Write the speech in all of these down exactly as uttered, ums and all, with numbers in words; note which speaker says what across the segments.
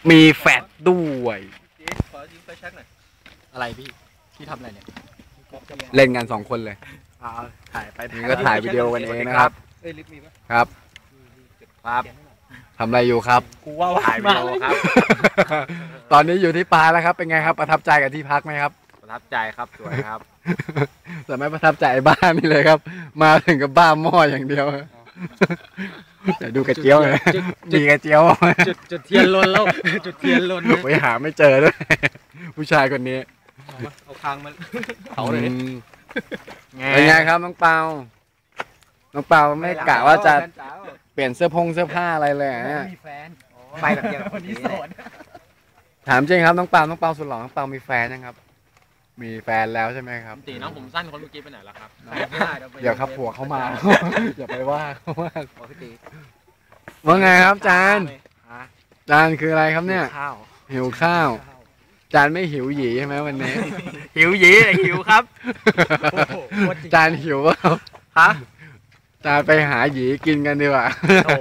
Speaker 1: มีแฟดด้วย
Speaker 2: ขอยืมไฟแช็กหน่อย
Speaker 3: อะไรพี่พี่ทำอะไรเนี่ย
Speaker 1: เล่นกันสองคนเลย
Speaker 3: อ่าถ่ายไป
Speaker 1: นี่ก็ถ่ายวิดีโอกันเองนะครับ
Speaker 2: เอ้ยลิฟต์มีปะ
Speaker 1: ครับ
Speaker 3: ครับ
Speaker 1: ทำอะไรอยู่ครับ
Speaker 3: กูว่าถ่ายวิดีโอครับ
Speaker 1: ตอนนี้อยู่ที่ปาแล้วครับเป็นไงครับประทับใจกับที่พักไหมครับ
Speaker 3: ประทับใจครับสวยครับ
Speaker 1: แต่ไม่ประทับใจบ้านนี่เลยครับ มาถึงกับบ้าหม้ออย่างเดียวแต่ดูกระเจียวเลยมีกระเจียว
Speaker 3: จุดจุดเทียนลนแล้วจุดเทียนลน
Speaker 1: ไปหาไม่เจอด้วยผู้ชายคนนี้
Speaker 2: เอาคางมา
Speaker 1: เขาเลยเป็นไงครับน้องเปาน้องเปาไม่กะว่าจะเปลี่ยนเสื้อพงเสื้อผ้าอะไรเลยเนี่ย
Speaker 2: มีแฟน
Speaker 3: ไปแบบเดียว
Speaker 2: คนนี้โสด
Speaker 1: ถามจริงครับน้องเปาน้องเปาสุดหล่อน้องเปามีแฟนยังครับมีแฟนแล้วใช่ไหมครับ
Speaker 3: ตีน้องผมสั้นคนเมื่อกี้ไปไหนแล้วครับ
Speaker 1: เดี๋ยวครับผัวเขามาอย่าไปว่าเขาว่าว่าไงครับจานจานคืออะไรครับเนี่ย
Speaker 3: ข้าว
Speaker 1: หิวข้าวจานไม่หิวหยีใช่ไหมวันนี้
Speaker 3: หิวหยีหิวครับ
Speaker 1: จานหิวเปล่า
Speaker 3: ฮะ
Speaker 1: จานไปหาหยีกินกันดีกว่า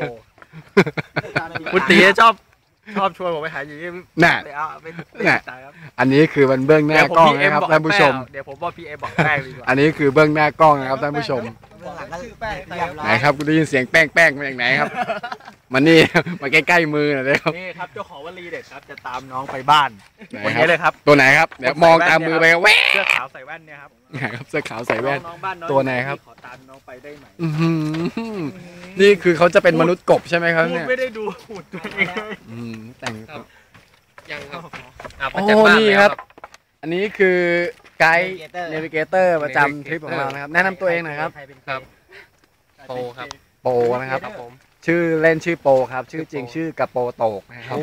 Speaker 3: คุณตีชอบชอบชวนผมไปหาหยี
Speaker 1: น่ะน่ะอันนี้คือมันเบื้องหน้ากล้องนะครับท่านผู้ชม
Speaker 3: เดี๋ยวผมบอกพี่เอ็มบอกแป้งดีกว่า
Speaker 1: อันนี้คือเบื้องหน้ากล้องนะครับท่านผู้ชมไหนครับคุณได้ยินเสียงแป้งแป้งมาจากไหนครับมันนี่มาใกล้ๆมือหน่อยเลยครับ
Speaker 3: นี่ครับเจ้าของวลีเด็ดครับจะตามน้องไปบ้าน
Speaker 1: คนนี้เลยครับตัวไหนครับเดี๋ยวมองตามมือไปแว๊
Speaker 3: เสื้อขาวใส่แว่นเนี่ยครับ
Speaker 1: ไหนครับเสื้อขาวใส่แว่นตัวไหนครับ
Speaker 3: ขอตามน้องไปได้ไหม
Speaker 1: นี่คือเขาจะเป็นมนุษย์กบใช่ไหมครับเนี่ย
Speaker 3: ไม่ได้ดูหุ่นตัวเอง
Speaker 1: แต่ง
Speaker 3: ยังครับ
Speaker 1: โอ้นี่ครับอันนี้คือไกด์เนวิเกเตอร์ประจำทริปของเรานะครับแนะนำตัวเองหน่อยครับ
Speaker 3: ครับโปครับ
Speaker 1: โปนะครับชื่อเล่นชื่อโปครับชื่อจริงชื่อกระโปโตกนะครับ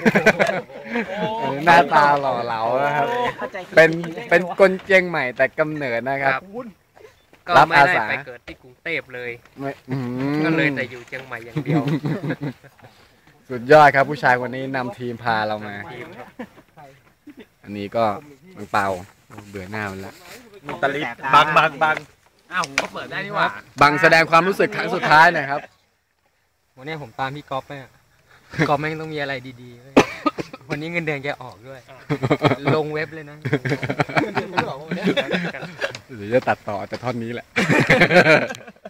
Speaker 1: หน้าตาหล่อเหลานะครับเป็นเป็นคนเชียงใหม่แต่กำเนิดนะครับ
Speaker 4: ก็ไม่ได้ไปเกิดที่กรุงเทพเลยก็เลยแต่อยู่เชียงใหม่อย่างเดียว
Speaker 1: สุดยอดครับผู้ชายคนนี้นำทีมพาเรามาอันนี้ก็บังเปาเบื่อหน้ามันแล้ว
Speaker 3: ตะลิดบังบังบังอ้าวผมก็เปิดได้นี่หว่า
Speaker 1: บังแสดงความรู้สึกครั้งสุดท้ายหน่อยครับ
Speaker 4: วันนี้ผมตามพี่ก๊อฟไปพี่ก๊อฟแม่งต้องมีอะไรดีๆวันนี้เงินเดือนแกออกด้วยลงเว็บเลยนะ
Speaker 1: หรือจะตัดต่อแต่ท่อนนี้แหละ